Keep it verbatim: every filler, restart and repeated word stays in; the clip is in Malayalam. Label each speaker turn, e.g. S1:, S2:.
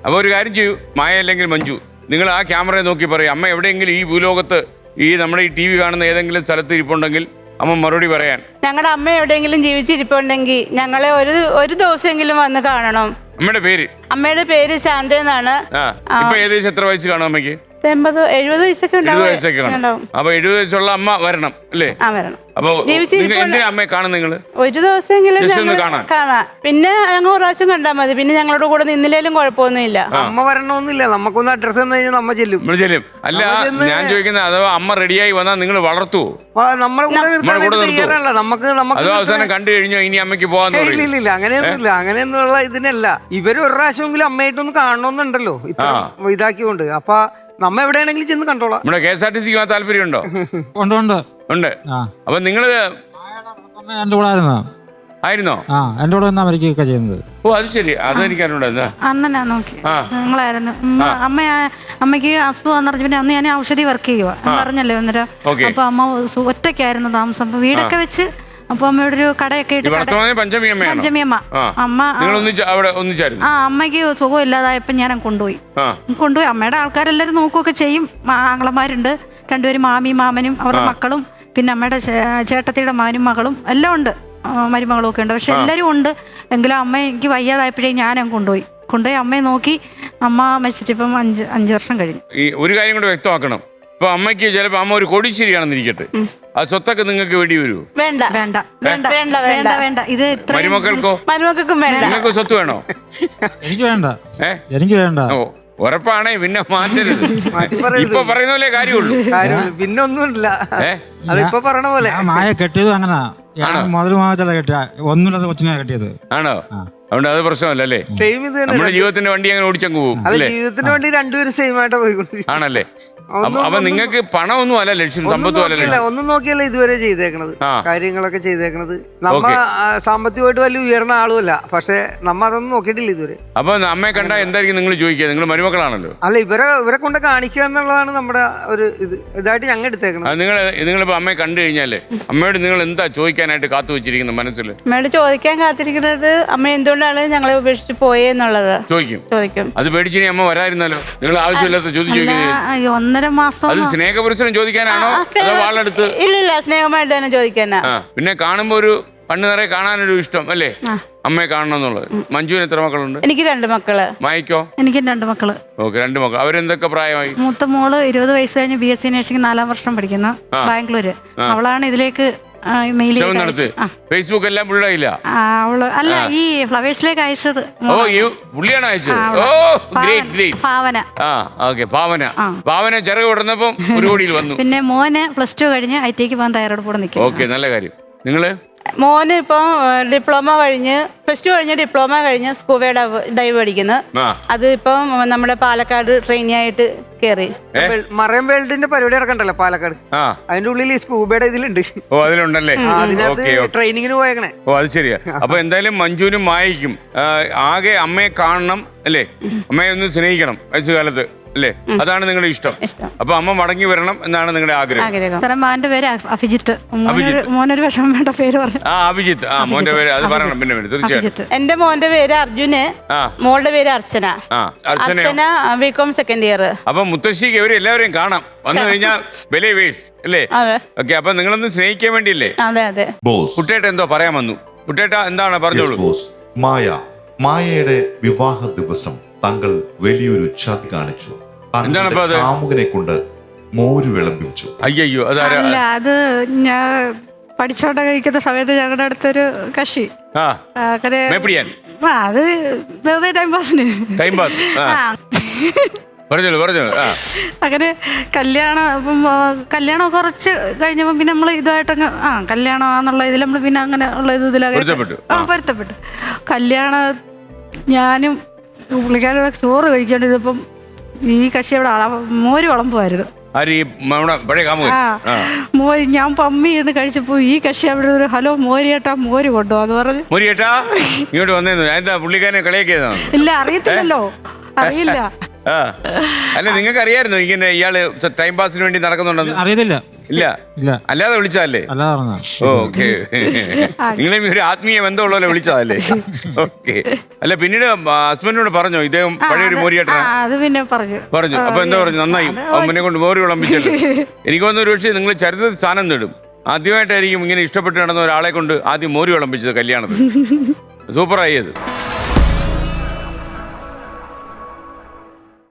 S1: അപ്പോൾ ഒരു കാര്യം ചെയ്യൂ, മായ അല്ലെങ്കിൽ മഞ്ജു, നിങ്ങൾ ആ ക്യാമറയെ നോക്കി പറയും, അമ്മ എവിടെയെങ്കിലും ഈ ഭൂലോകത്ത് ഈ നമ്മുടെ ഈ ടി വി കാണുന്ന ഏതെങ്കിലും സ്ഥലത്ത് ഇരിപ്പുണ്ടെങ്കിൽ അമ്മ മറുപടി പറയാൻ.
S2: ഞങ്ങളുടെ അമ്മ എവിടെയെങ്കിലും ജീവിച്ചിരിപ്പുണ്ടെങ്കിൽ ഞങ്ങളെ ഒരു ഒരു ദിവസമെങ്കിലും വന്ന് കാണണം.
S1: അമ്മയുടെ പേര്?
S2: അമ്മയുടെ പേര് ശാന്ത എന്നാണ്.
S1: ഇപ്പൊ ഏകദേശം എത്ര വയസ്സ് കാണും അമ്മയ്ക്ക്?
S2: എൺപത് എഴുപത് വയസ്സൊക്കെ ഉണ്ടാവും.
S1: അപ്പൊ എഴുപത് വയസ്സുള്ള അമ്മ വരണം അല്ലേ?
S2: ആ വരണം.
S1: അപ്പൊ എന്തിനാ അമ്മയെ കാണും നിങ്ങൾ?
S2: ഒരു ദിവസമെങ്കിലും കാണാം. പിന്നെ ഞങ്ങൾ ഒരു പ്രാവശ്യം കണ്ടാൽ മതി. പിന്നെ ഞങ്ങളുടെ കൂടെ നിന്നില്ലേലും കുഴപ്പമൊന്നുമില്ല.
S3: അമ്മ വരണമൊന്നുമില്ല, നമുക്കൊന്ന് അഡ്രസ് തന്നു കഴിഞ്ഞാൽ നമ്മ ചെല്ലും.
S1: നമ്മൾ ചെല്ലും. അല്ല ഞാൻ ചോദിക്കുന്നത്, അഥവാ അമ്മ റെഡിയായി വന്നാൽ നിങ്ങൾ വളർത്തുവോ?
S3: നമ്മളെ കൂടെ നിർത്താനല്ല, നമുക്ക് നമുക്ക്
S1: അവസാനം കണ്ടു കഴിഞ്ഞോ ഇനി അമ്മയ്ക്ക് പോകാൻ?
S3: ഇല്ല, അങ്ങനെയൊന്നുമില്ല. അങ്ങനെയൊന്നുള്ള ഇതിനല്ല. ഇവര് ഒരു പ്രാവശ്യമെങ്കിലും അമ്മയായിട്ടൊന്ന് കാണണമെന്നുണ്ടല്ലോ ഇത്ര ഇതാക്കിക്കൊണ്ട്. അപ്പൊ നമ്മ എവിടെയാണെങ്കിലും ചെന്ന് കണ്ടോളാം.
S1: നമ്മുടെ കെ എസ് ആർ ടി സിക്ക് താല്പര്യം ഉണ്ടോ?
S4: ഉണ്ട് ഉണ്ട്
S1: ഉണ്ട്. അപ്പൊ നിങ്ങള്
S4: എന്റെ കൂടെ
S1: ആയിരുന്നോ?
S4: ആ എന്റെ കൂടെ അമേരിക്കൊക്കെ ചെയ്യുന്നത്.
S1: ഓ അത് ശരി, അതെനിക്കറിഞ്ഞൂടാ.
S5: അണ്ണനാ നോക്കി ഞങ്ങളായിരുന്നു. അമ്മ അമ്മയ്ക്ക് അസുഖം പറഞ്ഞ പിന്നെ അന്ന് ഞാൻ ഔഷധി വർക്ക് ചെയ്യുക പറഞ്ഞല്ലോ അന്നേരം. അപ്പൊ അമ്മ ഒറ്റയ്ക്കായിരുന്നു താമസം. അപ്പൊ വീടൊക്കെ വെച്ച് അപ്പൊ അമ്മയുടെ ഒരു കടയൊക്കെ ഇട്ട് പഞ്ചമിയമ്മ അമ്മ ആ അമ്മയ്ക്ക് സുഖം ഇല്ലാതായപ്പോ ഞാൻ കൊണ്ടുപോയി കൊണ്ടുപോയി അമ്മയുടെ ആൾക്കാരെല്ലാരും നോക്കുകയൊക്കെ ചെയ്യും. ആങ്ങളമാരുണ്ട് രണ്ടുപേരും, മാമിയും മാമനും അവരുടെ മക്കളും, പിന്നെ അമ്മയുടെ ചേട്ടത്തിയുടെ മാനും മകളും എല്ലാം ഉണ്ട്, മരുമകളും ഒക്കെ ഉണ്ട്. പക്ഷെ എല്ലാവരും ഉണ്ട്. എങ്കിലും അമ്മ എനിക്ക് വയ്യാതായപ്പോഴേ ഞാൻ കൊണ്ടുപോയി കൊണ്ടുപോയി അമ്മയെ നോക്കി. അമ്മ മരിച്ചിട്ട് ഇപ്പം അഞ്ച് അഞ്ച് വർഷം കഴിഞ്ഞു.
S1: ഈ ഒരു കാര്യം കൂടെ വ്യക്തമാക്കണം. ഇപ്പൊ അമ്മയ്ക്ക് ചിലപ്പോ അമ്മ ഒരു കൊടിശ്ശേരിയാണെന്നിരിക്കട്ടെ, ആ സ്വത്തൊക്കെ നിങ്ങൾക്ക് വേണ്ടി വരുമോ?
S2: വേണ്ട
S5: വേണ്ട വേണ്ട വേണ്ട വേണ്ട വേണ്ട. ഇത്
S1: മരുമക്കൾക്കോ?
S2: മരുമക്കൾക്കും വേണ്ട.
S1: നിങ്ങൾക്ക് സ്വത്ത് വേണോ?
S4: എനിക്ക് വേണ്ട. ഏ എനിക്ക് വേണ്ട.
S1: ഓ ഉറപ്പാണേ, പിന്നെ മാറ്റരുത്. ഇപ്പൊ പറയുന്ന പോലെ കാര്യമുള്ളൂ,
S3: പിന്നെ ഒന്നുമില്ല. അതിപ്പോ പറയണ പോലെ
S4: മായ കെട്ടിയത് അങ്ങനെ മുതൽ മാച്ചല്ല കെട്ടിയ ഒന്നുമില്ലാത്ത കൊച്ചിനെ കെട്ടിയത്
S1: ആണോ? അതുകൊണ്ട് അത് പ്രശ്നമല്ല അല്ലേ?
S3: സെയിം ഇത്
S1: നമ്മുടെ ജീവിതത്തിന്റെ വണ്ടി അങ്ങനെ ഓടിച്ചങ്ങ് പോകും.
S3: ജീവിതത്തിന്റെ വണ്ടി രണ്ടുപേരും സെയിം ആയിട്ട് പോയിക്കൊണ്ടിരിക്കും
S1: ആണല്ലേ? അപ്പൊ നിങ്ങൾക്ക് പണമൊന്നും അല്ല ലക്ഷ്യം, സമ്പത്തും അല്ല.
S3: ഒന്നും നോക്കിയല്ല ഇതുവരെ ചെയ്തേക്കണത്, കാര്യങ്ങളൊക്കെ ചെയ്തേക്കണത്. നമ്മ സാമ്പത്തികമായിട്ട് വലിയ ഉയർന്ന ആളുമല്ല, പക്ഷെ നമ്മ അതൊന്നും നോക്കിയിട്ടില്ല ഇതുവരെ.
S1: അപ്പൊ അമ്മയെ കണ്ടാ എന്തായിരിക്കും നിങ്ങൾ ചോദിക്കുക? നിങ്ങൾ മരുമക്കളാണല്ലോ.
S3: അല്ല, ഇവരെ ഇവരെ കൊണ്ട് കാണിക്കുക എന്നുള്ളതാണ് നമ്മുടെ ഒരു ഇത് ഇതായിട്ട് ഞങ്ങൾ എടുത്തേക്കണത്.
S1: നിങ്ങൾ നിങ്ങളിപ്പോ അമ്മയെ കണ്ടു കഴിഞ്ഞാല് അമ്മയോട് നിങ്ങൾ എന്താ ചോദിക്കാനായിട്ട് കാത്തു വെച്ചിരിക്കുന്നത് മനസ്സിൽ?
S2: അമ്മയോട് ചോദിക്കാൻ കാത്തിരിക്കുന്നത് അമ്മ എന്തുകൊണ്ടാണ് ഞങ്ങളെ ഉപേക്ഷിച്ച് പോയെന്നുള്ളത് ചോദിക്കും ചോദിക്കും
S1: അത് പേടിച്ചിനി അമ്മ വരായിരുന്നല്ലോ. നിങ്ങൾ ആവശ്യമില്ലാത്ത ചോദ്യം ചോദിക്കുന്നത് അത് സ്നേഹപുരുഷനും ചോദിക്കാനാണോ അതോ വാളെടുത്ത്?
S2: ഇല്ലില്ല, സ്നേഹമായിട്ട് തന്നെ ചോദിക്കാനാ.
S1: പിന്നെ കാണുമ്പോ ഒരു കണ്ണു നിറയെ കാണാനൊരു ഇഷ്ടം അല്ലേ, അമ്മയെ കാണണം എന്നുള്ളത്. മഞ്ജുവിന് എത്ര മക്കളുണ്ട്?
S2: എനിക്ക് രണ്ട് മക്കള്.
S1: മായിക്കോ?
S5: എനിക്ക് രണ്ട് മക്കള്.
S1: ഓക്കെ, രണ്ട് മക്കൾ. അവരെന്തൊക്കെ പ്രായമായി?
S5: മൂത്ത മോള് ഇരുപത് വയസ്സ് കഴിഞ്ഞ് ബി എസ് സി നഴ്സിംഗ് നാലാം വർഷം പഠിക്കുന്ന ബാംഗ്ലൂര്. അവളാണ് ഇതിലേക്ക്
S1: ഫേസ്ബുക്ക് എല്ലാം പുള്ളിയില്ല.
S5: അവള് അല്ല, ഈ ഫ്ലവേഴ്സിലേക്ക് അയച്ചത്
S1: പുള്ളിയാണ് അയച്ചത്.
S5: ഭാവന.
S1: ആ ഓക്കെ, ഭാവന. ഭാവന ചെറുകെ വിടുന്നപ്പം ഒരു കോടിയിൽ വന്നു.
S5: പിന്നെ മോന് പ്ലസ് ടു കഴിഞ്ഞ് ഐ ടിക്ക് പോകാൻ തയ്യാറെടുപ്പോടെ നിൽക്കും.
S1: ഓക്കെ, നല്ല കാര്യം. നിങ്ങള്?
S2: മോന് ഇപ്പം ഡിപ്ലോമ കഴിഞ്ഞ് പ്ലസ് ടു കഴിഞ്ഞ് ഡിപ്ലോമ കഴിഞ്ഞ് സ്കൂബ ഡൈവ് പഠിക്കുന്നു. അത് ഇപ്പം നമ്മുടെ പാലക്കാട് ട്രെയിനി ആയിട്ട് കയറി.
S3: മറൈൻ വേൾഡിന്റെ പരിപാടി നടക്കണ്ടല്ലോ പാലക്കാട്, അതിന്റെ ഉള്ളിൽ ഈ സ്കൂബയുടെ ഇതിലുണ്ട്.
S1: ഓ അതിലുണ്ടല്ലേ?
S3: അതിനകത്ത് ട്രെയിനിങ്ങിന് പോയേക്കണേ.
S1: ഓ അത് ശരിയാ. അപ്പൊ എന്തായാലും മഞ്ജുവിനും മായിക്കും ആകെ അമ്മയെ കാണണം അല്ലേ, അമ്മയെ ഒന്ന് സ്നേഹിക്കണം വയസ്സുകാലത്ത് അല്ലേ, അതാണ് നിങ്ങളുടെ ഇഷ്ടം. അപ്പൊ അമ്മ മടങ്ങി വരണം എന്നാണ് നിങ്ങളുടെ ആഗ്രഹം.
S5: സാറേ മോന്റെ പേര് അഭിജിത്ത്. മോനൊരു വിഷമം വേണ്ട പേര് പറഞ്ഞു.
S1: ആ അഭിജിത്ത്, ആ മോന്റെ പേര് അത് പറയണം. പിന്നെ തീർച്ചയായിട്ടും.
S2: എന്റെ മോന്റെ പേര് അർജുന്, മോളുടെ പേര് Archana. Archana BCom second year.
S1: അപ്പൊ മുത്തശ്ശിക്ക് ഇവരെ എല്ലാവരെയും കാണാം, വന്നു കഴിഞ്ഞാൽ വില വേഷ് അല്ലേ? ഓക്കെ, അപ്പൊ നിങ്ങളൊന്ന് സ്നേഹിക്കാൻ വേണ്ടിയല്ലേ?
S2: അതെ അതെ.
S1: കുട്ടേട്ട എന്തോ പറയാൻ വന്നു. കുട്ടേട്ട എന്താണ് പറഞ്ഞോളൂ.
S6: മായ മായയുടെ വിവാഹ ദിവസം താങ്കൾ വലിയൊരു ചതി കാണിച്ചു. കാമുകനെ കൊണ്ട് മോര് വിളമ്പിച്ചു.
S1: അയ്യോ,
S5: അല്ല, അത് ഞാൻ പഠിച്ചോണ്ട് കഴിക്കുന്ന സമയത്ത് ഞങ്ങളുടെ അടുത്തൊരു കക്ഷി അത് വെറുതെ ടൈം പാസിന്
S1: ടൈം പാസ്
S5: അങ്ങനെ കല്യാണം ഇപ്പം കല്യാണം കുറച്ച് കഴിഞ്ഞപ്പോൾ പിന്നെ നമ്മൾ ഇതുമായിട്ടങ്ങ് ആ കല്യാണമാണെന്നുള്ള ഇതിൽ നമ്മൾ പിന്നെ അങ്ങനെ ഉള്ള ഇത് ഇതിലൊക്കെ ആ പൊരുത്തപ്പെട്ടു. കല്യാണം ഞാനും പുള്ളിക്കാരോടെ ചോറ് കഴിക്കേണ്ടതിപ്പം ഈ കക്ഷി അവിടെ മോര് വിളമ്പുമായിരുന്നു. മോര് ഞാൻ പമ്മി എന്ന് കഴിച്ചപ്പോ ഈ കക്ഷി അവിടെ ഒരു ഹലോ മോരിയേട്ടാ മോര് കൊണ്ടുപോന്ന് പറഞ്ഞു. ഇല്ല, അറിയത്തില്ലല്ലോ, അറിയില്ല.
S1: അല്ല നിങ്ങൾക്ക് അറിയായിരുന്നു ഇങ്ങനെ ഇയാള് ടൈം പാസിന് വേണ്ടി നടക്കുന്നുണ്ടെന്ന്?
S4: അറിയത്തില്ല.
S1: ഇല്ല
S4: ഇല്ല
S1: അല്ലാതെ വിളിച്ചതല്ലേ?
S4: അല്ലാതെ പറഞ്ഞ
S1: ഓക്കെ. നിങ്ങളെ ഒരു ആത്മീയ ബന്ധമുള്ളവരെ വിളിച്ചതല്ലേ? ഓക്കെ. അല്ല പിന്നീട് ഹസ്ബൻഡിനോട് പറഞ്ഞോ ഇദ്ദേഹം പഴയൊരു മോരിയേട്ടനാ?
S5: ആ, അത് പിന്നെ പറഞ്ഞു
S1: പറഞ്ഞു. അപ്പൊ എന്താ പറഞ്ഞു? നന്നായി അമ്മനെ കൊണ്ട് മോര് വിളമ്പിച്ചല്ലോ. എനിക്ക് തോന്നുന്നു ഒരു പക്ഷേ നിങ്ങൾ ചരിത്രത്തിൽ സ്ഥാനം നേടും. ആദ്യമായിട്ടായിരിക്കും ഇങ്ങനെ ഇഷ്ടപ്പെട്ട് നടന്ന ഒരാളെ കൊണ്ട് ആദ്യം മോര് വിളമ്പിച്ചത് കല്യാണത്തിൽ. സൂപ്പറായി അത്.